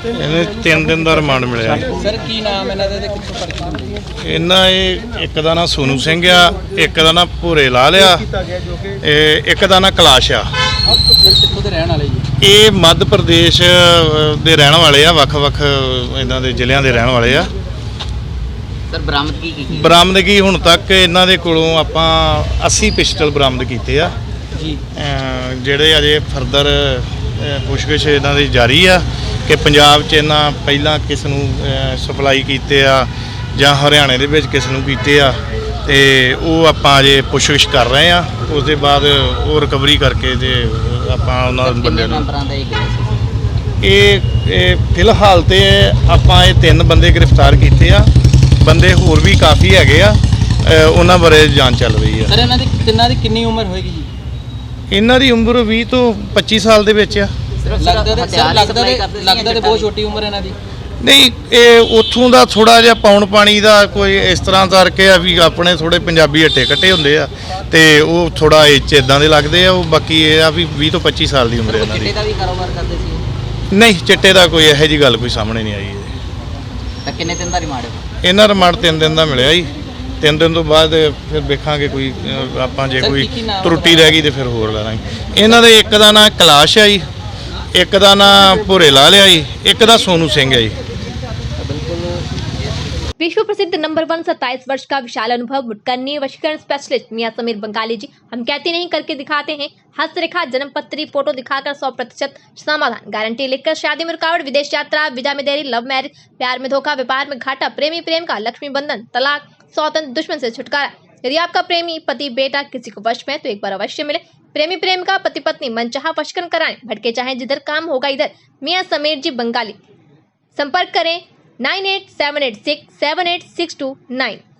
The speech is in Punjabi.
ਇਹਨੇ 3 ਦਿਨ ਦਾ ਰਿਮਾਂਡ ਮਿਲਿਆ। ਸਰ ਕੀ ਨਾਮ ਇਹਨਾਂ ਦਾ ਤੇ ਕਿੱਥੋਂ ਪਰਚੀ ਹੁੰਦੀ ਹੈ? ਇਹਨਾਂ ਇੱਕ ਦਾ ਨਾਂ ਸੋਨੂ ਸਿੰਘ ਆ, ਇੱਕ ਦਾ ਨਾਂ ਭੂਰੇ ਲਾਲ ਆ, ਇੱਕ ਦਾ ਨਾਂ ਕਲਾਸ਼ ਆ। ਕਿੱਥੋਂ ਦੇ ਰਹਿਣ ਵਾਲੇ ਜੀ? ਇਹ ਮੱਧ ਪ੍ਰਦੇਸ਼ ਦੇ ਰਹਿਣ ਵਾਲੇ ਆ, ਵੱਖ-ਵੱਖ ਇਹਨਾਂ ਦੇ ਜ਼ਿਲ੍ਹਿਆਂ ਦੇ ਰਹਿਣ ਵਾਲੇ ਆ। ਸਰ ਬਰਾਮਦਗੀ ਕੀ? ਬਰਾਮਦਗੀ ਹੁਣ ਤੱਕ ਇਹਨਾਂ ਦੇ ਕੋਲੋਂ ਆਪਾਂ 80 ਪਿਸਟਲ ਬਰਾਮਦ ਕੀਤੇ ਆ ਜੀ, ਜਿਹੜੇ ਅਜੇ ਫਰਦਰ ਪੁੱਛਗਿੱਛ ਇਹਨਾਂ ਦੀ ਜਾਰੀ ਆ ਕਿ ਪੰਜਾਬ 'ਚ ਇਹਨਾਂ ਪਹਿਲਾਂ ਕਿਸ ਨੂੰ ਸਪਲਾਈ ਕੀਤੇ ਆ ਜਾਂ ਹਰਿਆਣੇ ਦੇ ਵਿੱਚ ਕਿਸ ਨੂੰ ਕੀਤੇ ਆ, ਤੇ ਉਹ ਆਪਾਂ ਅਜੇ ਪੁੱਛਗਿੱਛ ਕਰ ਰਹੇ ਆ। ਉਸ ਦੇ ਬਾਅਦ ਉਹ ਰਿਕਵਰੀ ਕਰਕੇ ਤੇ ਆਪਾਂ ਉਹਨਾਂ ਬੰਦਿਆਂ ਨੂੰ ਇਹ ਫਿਲਹਾਲ ਤੇ ਆਪਾਂ ਇਹ 3 ਬੰਦੇ ਗ੍ਰਿਫਤਾਰ ਕੀਤੇ ਆ। ਬੰਦੇ ਹੋਰ ਵੀ ਕਾਫੀ ਹੈਗੇ ਆ, ਉਹਨਾਂ ਬਾਰੇ ਜਾਂਚ ਚੱਲ ਰਹੀ ਆ। ਸਰ ਇਹਨਾਂ ਦੀ ਤਿੰਨਾਂ ਦੀ ਕਿੰਨੀ ਉਮਰ ਹੋਏਗੀ ਜੀ? ਇਹਨਾਂ ਦੀ ਉਮਰ 20 ਤੋਂ 25 ਸਾਲ ਦੇ ਵਿੱਚ ਆ। ਲੱਗਦਾ ਤੇ ਬਹੁਤ ਛੋਟੀ ਉਮਰ ਇਹਨਾਂ ਦੀ। ਨਹੀਂ, ਇਹ ਉੱਥੋਂ ਦਾ ਥੋੜਾ ਜਿਹਾ ਪੌਣ ਪਾਣੀ ਦਾ ਕੋਈ ਇਸ ਤਰ੍ਹਾਂ ਕਰਕੇ ਆ ਵੀ ਆਪਣੇ ਥੋੜੇ ਪੰਜਾਬੀ ਹੱਟੇ ਕੱਟੇ ਹੁੰਦੇ ਆ, ਤੇ ਉਹ ਥੋੜਾ ਇਹ 'ਚ ਇਦਾਂ ਦੇ ਲੱਗਦੇ ਆ। ਉਹ ਬਾਕੀ ਇਹ ਆ ਵੀ 20 ਤੋਂ 25 ਸਾਲ ਦੀ ਉਮਰ ਹੈ ਇਹਨਾਂ ਦੀ। ਚਿੱਟੇ ਦਾ ਵੀ ਕਾਰੋਬਾਰ ਕਰਦੇ ਸੀ? ਨਹੀਂ, ਚਿੱਟੇ ਦਾ ਕੋਈ ਇਹੋ ਜਿਹੀ ਗੱਲ ਕੋਈ ਸਾਹਮਣੇ ਨਹੀਂ ਆਈ। ਤਾਂ ਕਿੰਨੇ ਦਿਨ ਦਾ ਰਿਮਾਂਡ ਹੈ? ਇਹਨਾਂ ਰਿਮਾਂਡ 3 ਦਿਨ ਦਾ ਮਿਲਿਆ ਜੀ। 3 ਦਿਨ ਤੋਂ ਬਾਅਦ ਫਿਰ ਵੇਖਾਂਗੇ ਕੋਈ ਆਪਾਂ ਜੇ ਕੋਈ ਤਰੁੱਟੀ ਰਹਿ ਗਈ ਤੇ ਫਿਰ ਹੋਰ ਲੈ ਲਾਂਗੇ। ਇਹਨਾਂ ਦੇ ਇੱਕ ਦਾ ਨਾਂ ਕਲਾਸ਼ ਆ ਜੀ, ਇੱਕ ਦਾ ਨਾਂ ਭੂਰੇ ਲਾਲ ਆ ਜੀ, ਇੱਕ ਦਾ ਸੋਨੂ ਸਿੰਘ ਹੈ जी। विश्व प्रसिद्ध नंबर 1 27 वर्ष का विशाल अनुभव मुटकरनी वशीकरण स्पेशलिस्ट मियां समीर बंगाली जी। हम कहते नहीं करके दिखाते हैं। हस्तरेखा, जन्म पत्री, फोटो दिखाकर 100% समाधान, गारंटी लिखकर शादी में रुकावट, विदेश यात्रा, विजा में देरी, लव मैरिज, प्यार में धोखा, व्यापार में घाटा, प्रेमी प्रेम का, लक्ष्मी बंधन, तलाक, सौतन, दुश्मन से छुटकारा। यदि आपका प्रेमी, पति, बेटा किसी को वश में तो एक बार अवश्य मिले। प्रेमी प्रेमिका, पति पत्नी मनचाहा वशीकरण कराएं, भटके चाहे जिधर, काम होगा इधर। मियां समीर जी बंगाली। संपर्क करें 9878678629।